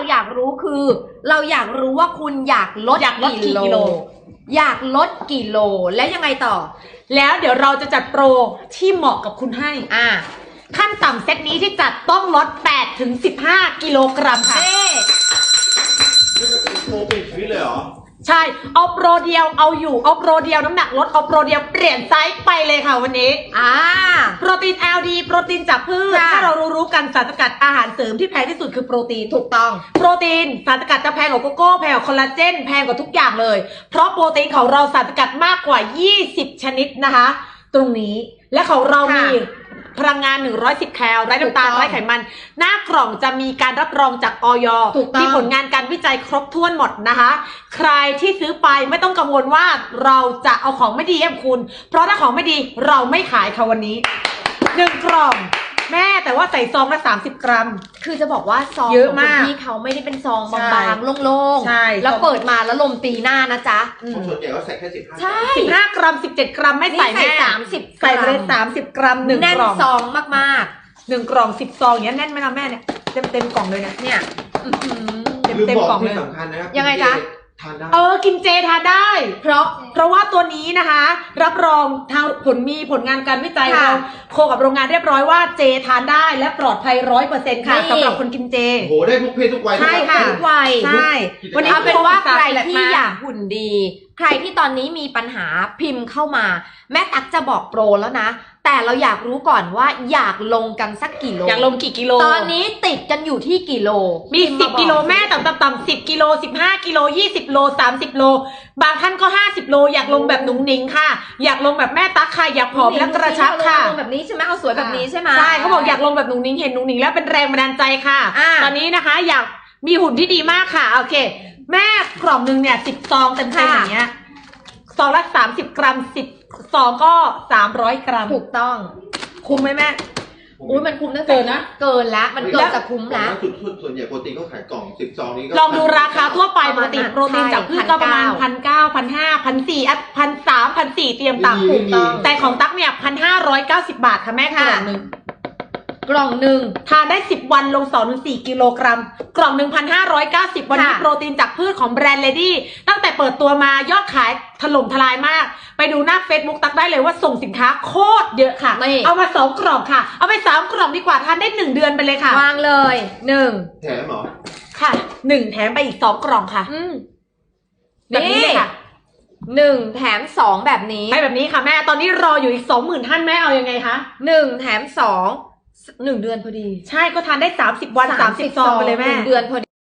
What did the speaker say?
อยากรู้คือ เราอยากรู้ว่าคุณอยากลดกี่กิโลอยากลดกี่โลและยังไงต่อแล้วเดี๋ยวเราจะจัดโปรที่เหมาะกับคุณให้ขั้นต่ำเซตนี้ที่จัดต้องลด8 ถึง 15 กิโลกรัมค่ะนี่มันเป็นโปรปิดชีวิตเลยเหรอใช่เอาโปรเดียวเอาอยู่เอาโปรเดียวน้ำหนักลดเอาโปรเดียวเปลี่ยนไซส์ไปเลยค่ะวันนี้โปรตีน LD โปรตีนจากพืชถ้าเรารู้กันสารสกัดอาหารเสริมที่แพงที่สุดคือโปรตีนถูกต้องโปรตีนสารสกัดจะแพงกว่าโกโก้แพงกว่าคอลลาเจนแพงกว่าทุกอย่างเลยเพราะโปรตีนของเราสารสกัดมากกว่า20ชนิดนะคะตรงนี้และของเรามีพลังงาน110แคลไร้น้ำตาลไร้ไขมันหน้ากล่องจะมีการรับรองจากอย.มีผลงานการวิจัยครบถ้วนหมดนะคะใครที่ซื้อไปไม่ต้องกังวลว่าเราจะเอาของไม่ดีให้คุณเพราะถ้าของไม่ดีเราไม่ขายค่ะวันนี้1กล่องแม่แต่ว่าใส่ซองละ30 กรัมคือจะบอกว่าซองเยอะมากที่เขาไม่ได้เป็นซองบางๆโล่งๆแล้วเปิดมาแล้วลมตีหน้านะจ๊ะส่วนใหญ่ก็ใส่แค่15 ใช่ 15 กรัม17 กรัมไม่ใส่แม่ 30 ใส่ไปเลย30 กรัม1กล่องแน่นซองมากๆ1กล่อง10ซองอย่างนี้แน่นไหมล่ะแม่เนี่ยเต็มกล่องเลยเนี่ยเต็มกล่องเลยยังไงจ๊ะกินเจทานได้เพราะว่าตัวนี้นะคะรับรองทางผลงานการวิจัยเราโคกับโรงงานเรียบร้อยว่าเจทานได้และปลอดภัย100%ค่ะสำหรับคนกินเจโหได้ทุกเพศทุกวัยใช่ค่ะทุกวัยใช่วันนี้เป็นว่าใครที่อยากหุ่นดีใครที่ตอนนี้มีปัญหาพิมพ์เข้ามาแม่ตั๊กจะบอกโปรแล้วนะแต่เราอยากรู้ก่อนว่าอยากลงกันสักกี่โลอยากลงกี่กิโลตอนนี้ติดกันอยู่ที่กี่โลมี10กิโลแม่ต่ำ10กิโล15กิโล20โล30โลบางท่านก็50โลอยากลงแบบหนุ่งหนิงค่ะอยากลงแบบแม่ตั๊กค่ะอยากผอมและกระชับค่ะลงแบบนี้ใช่ไหมเอาสวยแบบนี้ใช่ไหมใช่เขาบอกอยากลงแบบหนุ่งหนิงเห็นหนุ่งหนิงแล้วเป็นแรงบันดาลใจค่ะตอนนี้นะคะอยากมีหุ่นที่ดีมากค่ะโอเคแม่กล่องนึงเนี่ย10ซองเต็มๆอย่างเงี้ยซองละ30 กรัม10ซองก็300 กรัมถูกต้องคุ้มไหมแม่อุ้ยมันคุ้มนะเกินนะเกินแล้วมันเกินจะคุ้มแล้วส่วนใหญ่โปรตีนก็ขายกล่อง10ซองนี้ก็ลองดูราคาทั่วไปโปรตีนจากพืชก็ประมาณ1,900 1,500 1,400 1,300 1,400เตรียมต่ำถูกต้องแต่ของตั๊กเนี่ย1,590 บาทค่ะแม่กล่องหนึ่งทานได้10วันลง2-4 กิโลกรัมกล่อง 1,590 วันนี้โปรตีนจากพืชของแบรนด์เลดี้ตั้งแต่เปิดตัวมายอดขายถล่มทลายมากไปดูหน้า Facebook ตักได้เลยว่าส่งสินค้าโคตรเยอะค่ะเอามา2 กล่องค่ะเอาไป3 กล่องดีกว่าทานได้1 เดือนไปเลยค่ะวางเลย1 แถมเหรอค่ะ1แถมไปอีก2 กล่องค่ะแบบนี้เลยค่ะ 1แถม2แบบนี้ให้แบบนี้ค่ะแม่ตอนนี้รออยู่อีก 20,000 ท่านแม่เอายังไงคะ 1แถม2 1 เดือนพอดีใช่ก็ทานได้30 วัน30 ซองไปเลยแม่ 1 เดือนพอดี